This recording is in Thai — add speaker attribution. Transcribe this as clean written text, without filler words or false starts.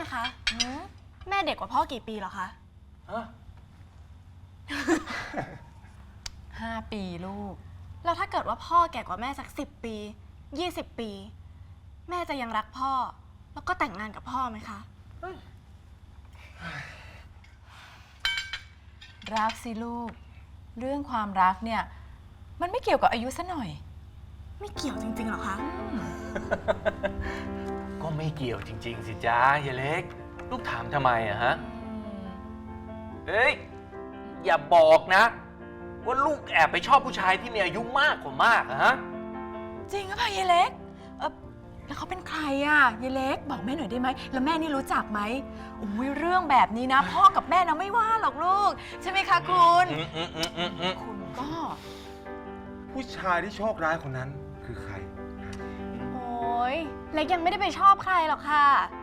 Speaker 1: คะแม่เด็กกว่าพ่อกี่ปีเหรอคะ
Speaker 2: ฮะ
Speaker 3: 5 ปีลูก
Speaker 1: แล้วถ้าเกิดว่าพ่อแก่กว่าแม่สัก10 ปี20 ปี แม่จะยังรักพ่อ แล้วก็แต่งงานกับพ่อไหมคะ
Speaker 3: รักสิลูก เรื่องความรักเนี่ยมันไม่เกี่ยวกับอายุซะหน่อย
Speaker 1: ไม่เกี่ยวจริงๆหรอคะ
Speaker 2: ก็ไม่เกี่ยวจริงๆสิจ้ายายเล็ก ลูกถามทำไมอะฮะ เฮ้ย อย่าบอกนะ ว่าลูกแอบไปชอบผู้ชายที่มีอายุมากกว่ามากอะฮะ
Speaker 3: จริงหรือเปล่ายายเล็กแล้วเขาเป็นใครอ่ะยายเล็กบอกแม่หน่อยได้ไหมแล้วแม่นี่รู้จักไหมอุ้ยเรื่องแบบนี้นะ พ่อกับแม่นะไม่ว่าหรอกลูก ใช่ไหมคะคุณคุณก็
Speaker 4: ผู้ชายที่โชคร้ายคนนั้นคือใคร
Speaker 1: โอ้ยเล็กยังไม่ได้ไปชอบใครหรอกค่ะ